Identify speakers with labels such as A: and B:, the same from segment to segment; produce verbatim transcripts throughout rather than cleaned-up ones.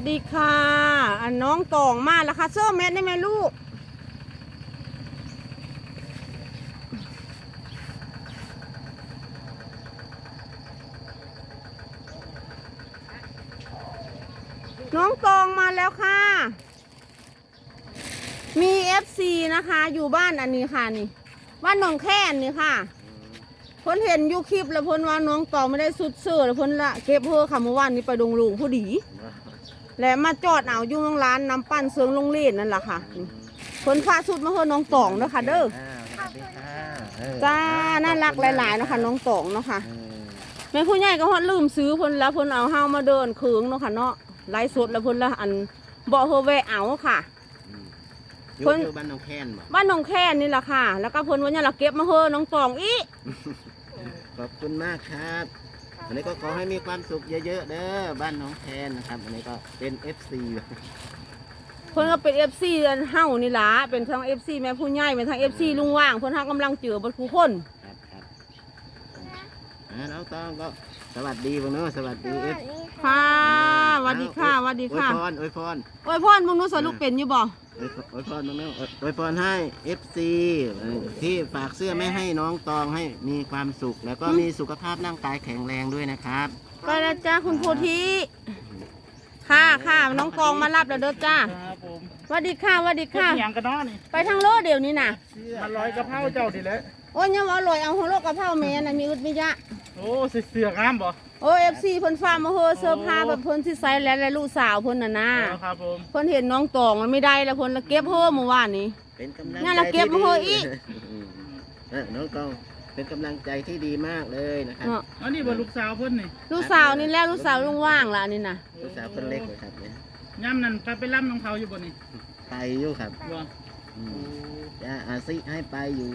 A: ดีค่ะอันน้องตองมาแล้วค่ะเสื้อแมทได้ไหมลูกน้องตองมาแล้วค่ะมีเอฟซีนะคะอยู่บ้านอันนี้ค่ะนี่บ้านหนองแค่นนี่ค่ะพ้นเห็นยูคลิปแล้วพ้นว่าน้องตองไม่ได้สุดเสื้อแล้วพ้นละเก็บเพื่อค่ะเมื่อวานนี้ไปดงลูกผู้ดีและมาจอดเอาอยู่โรงร้านน้ำปั้นเสืองลงเล่นนั่นแหละค่ะพ้นพาสุดมาเพื่อน้องตองเด้อค่ะเด้อจ้าน่ารักหลายๆนะคะน้องตองเนาะค่ะแม่ผู้ใหญ่ก็ฮอดลืมซื้อพ้นแล้วพ้นเอาเฮามาเดินเคืองเนาะค่ะเนาะไล่สดแล้วพ้นละอันบ่เฮอแวะเอาค่ะ
B: พ้นบ้านหนองแคน
A: บ้านหนองแคนนี่แหละค่ะแล้วก็พ้นวันนี้เราเก็บมาเพื่อน้องตองอี
B: ขอบคุณมากครับวันนี้ก็ขอให้มีความสุขเยอะๆเด้อบ้านหนองแคนนะครับวันนี้ก็เป็น เอฟ ซี
A: เพิ่นก็เป็น เอฟ ซี เฮานี่ล่ะเป็นทั้ง เอฟ ซี แม่ผู้ใหญ่เป็นทั้ง เอฟ ซี ลุงว่างเพิ่นเฮากำลังเจอบ่ทุกคน
B: ครับครับน้องตองก็สวัสดีบ่เนาะสวัสดีเอฟ
A: ค่ะสวัสดีค่ะสวัสดีค่ะ
B: อวยพรอวยพร
A: อวยพรมึงรู้สอนลูกเป็นอยู่บ่
B: อวยพรบ่เนาะอวยพรให้ เอฟ ซี ที่ฝากเสื้อไม่ให้น้องตองให้มีความสุขแล้วก็มีสุขภาพร่างกายแข็งแรงด้วยนะครับ
A: ไปแล้วจ้าคุณโพธิค่ะค่ะน้องกองมารับแล้วเด้อจ้าสวัสดีค่ะสวัสดีค่ะ
C: อย่างกันเนาะนี่
A: ไปทางโลเดี๋ยวนี้น่ะ
C: มาลอยกระเพราเจ้าดิเลย
A: โอ้ยยังว่าอร่อยเอาหัวโลกกะเพราแม่น่ะมีอึดมียะ
C: โอ้เสือกงามบ่
A: โอ้ เอฟ ซี เพิ่นฟ้ามาเฮอเสื้อผ้าแบบเพิ่นที่ใส่แล้วและลูกสาวเพิ่นน่ะนะครับ
C: ผม
A: เพิ่นเห็นน้องตองมันไม่ได้แล้วเพิ่นละเก็บเฮอเมื่อวานนี้
B: เป็นกำลัง
A: งั้นละเก็บมาเฮออีก
B: น้องตองเป็นกำลังใจที่ดีมากเลยนะครับ
C: อันนี้บ่ลูกสาวเพิ่นนี่
A: ลูกสาวนี่แล้วลูกสาวลุงว่างล่ะนี่น่ะ
B: ลูกสาวคนเล็กเลยครับเนี่ย
C: ย่ำนั่นไปไปล่ำน้องเขาอยู่บ่นี่
B: ไปอยู่ครับ
C: บ่
B: จะอาซิให้ไปอยู่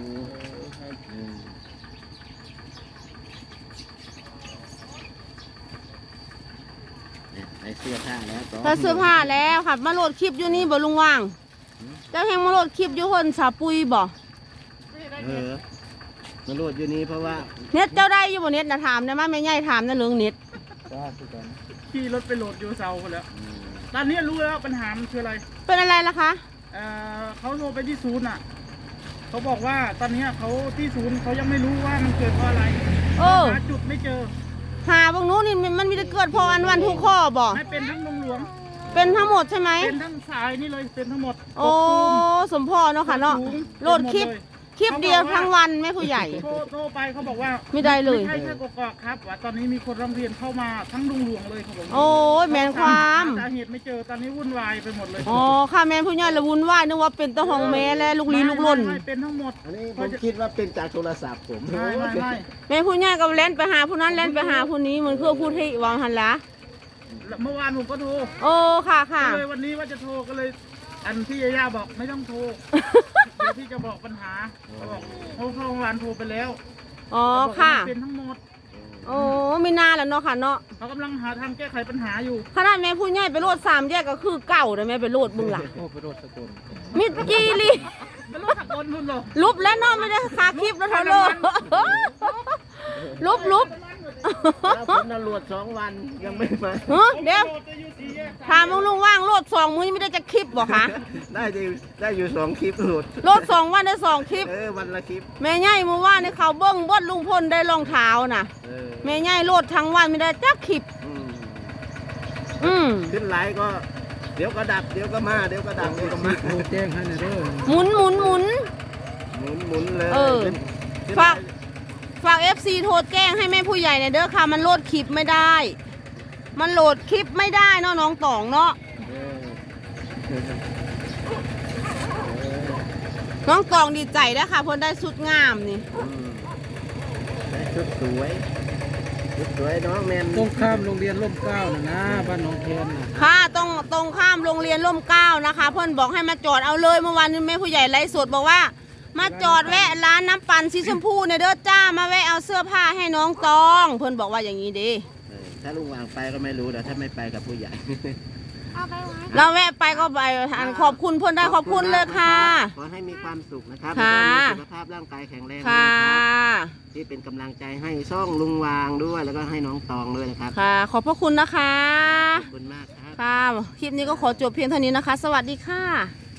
B: ใส่เสื้อผ้าแล้ว
A: ใส่เสื้อผ้าแล้วค่ะมาโหลดคลิปอยู่นี่บ่ลุงว่างเจ้าแห่งมาโหลดคลิปอยู่คนสาปุยบ่
B: เออมาโหลดอยู่นี่เพราะว่า
A: เน็ตเจ้าได้อยู่บ่เน็ตนะถามนะมาแม่ใหญ่ถามนะเรื่องเน็ต
C: ขี่รถไปโหลดอยู่เซาคนแล้วตอนนี้รู้แล้วปัญหามันคืออะไร
A: เป็นอะไรล่ะคะ
C: เออเขาโทรไปที่ศูนย์อ่ะเขาบอกว่าตอนนี้เขาที่ศูนย์เขายังไม่รู้ว่ามันเกิดเพราะอะไรหาจุดไม่เจอ
A: หาบางนู้นนี่มันมีแต่เกิดพออันวันทุกข้อบ่
C: ไม่เป็นทั้งลงหลวง
A: เป็นทั้งหมดใช่ไหม
C: เป็นทั้งสายนี่เลยเป็นทั้งหมด
A: โอ้สมพอเนาะค่ะเนาะโหลดคลิปคลิปเดียวทั้งวันแม่ผู้ใหญ่
C: โทรโทรไปเขาบอกว่า
A: ไม่ได้เลย
C: ไม่ใช่แค่กอกครับว่าตอนนี้มีคนร้องเรียนเข้ามาทั้งลุงหลวงเลยเขาบอก
A: โอ้ยแมนความ
C: สาเหตุไม่เจอตอนนี้วุ่นวายไปหมดเลย
A: อ๋อค่ะแมนผู้ใหญ่ละวุ่นวายนึกว่าเป็นตะหองแม่และลูกลี้ลูกล่น
C: เป็นทั้งหมด
B: อันนี้ผมคิดว่าเป็นจากโทรศัพท์ผม
C: ไม่ไม่ไม่
A: แม่ผู้ใหญ่ก็เล่นไปหาผู้นั้นเล่นไปหาผู้นี้เหมือนเพื่อพูดให้วางหันละ
C: เมื่อวานผมก็โทร
A: โอ้ค่ะค่ะ
C: เลยวันนี้ว่าจะโทรก็เลยอันพี่ยาย่าบอกไม่ต้องโทรเดี๋ยวพี่จะบอกปัญหาเขาบอกโทรเข้าโรงพยาบาลโทรไปแล้ว
A: อ๋อค่ะ
C: เป็นทั้งหมด
A: โอ้ไม่น่าแล้วเนาะค่ะเนาะ
C: เขากำลังหาทางแก้ไขปัญหาอยู่
A: ขนาดแม่ผู้ใหญ่ไปโหลดสามแยกก็คือเก่าแต่แม่ไปโหลดบึงหลัง
C: โอ้ไปโหลดสกุล
A: มิดจีรี
C: ไปโหลดสกุลคุณหรอ
A: ลุบแล้วเนาะไม่ได้คาคลิปแล้วเท่าเลยลุบลุบ
B: ผมน่ะโหลดสองวันยังไม่มา
A: เดี๋ยวถามลุงว่างโหลดสองมื้อไม่ได้จะคลิปบ่คะ
B: ได้ได้อยู่สองคลิปโหลด
A: โหลดสองวันได้สองคลิป
B: เออวันละคลิป
A: แม่ใหญ่เมื่อวานในเขาเบิ้งบดลุงพลได้รองเท้าน่ะแม่ใหญ่โหลดทั้งวันไม่ได้จักคลิปอืม
B: ขึ้นไลน์ก็เดี๋ยวก็ดับเดี๋ยวก็มาเดี๋ยวก็ดับเดี๋ยวก็มา
C: แจ้งให้หน่อยเด้อ
A: หมุนหมุนหมุน
B: หมุนหมุนเลย
A: เออฝากฝาก เอฟ ซี โทรแจ้งให้แม่ผู้ใหญ่เนี่ยเด้อค่ะมันโหลดคลิปไม่ได้มันโหลดคลิปไม่ได้เนาะน้องตองเนาะน้องตองดีใจนะค่ะเพราะได้ชุดงามนี่
B: ได้ชุดสวยชุดสวยน้องแมน
C: ตรงข้ามโรงเรียนร่มเกล้านะนะบ้านหนองแคนนะ
A: ค่ะตรงตรงข้ามโรงเรียนร่มเกล้านะคะเพื่อนบอกให้มาจอดเอาเลยเมื่อวานนี้แม่ผู้ใหญ่ไลฟ์สดบอกว่ามาจอดแวะร้านน้ำปั่นสีชมพูเนี่ยเด้อจ้ามาแวะเอาเสื้อผ้าให้น้องตองเพื่อนบอกว่าอย่างนี้ดี
B: ถ้าลุงวางไปก็ไม่รู้แต่ถ้าไม่ไปกับผู้ใหญ่
A: เราแวะไปก็ไปขอบคุณเพื่อนได้ขอบคุณเลยค่ะ
B: ขอให้มีความสุขนะครับสุขภาพร่างกายแข็งแรง
A: ค่ะ
B: ที่เป็นกำลังใจให้ช่องลุงวางด้วยแล้วก็ให้น้องตองด้วยนะครับ
A: ค่ะขอบพระคุณนะคะ
B: ขอบคุณมากครับ
A: ค่ะ คลิปนี้ก็ขอจบเพียงเท่านี้นะคะ สวัสดีค่ะ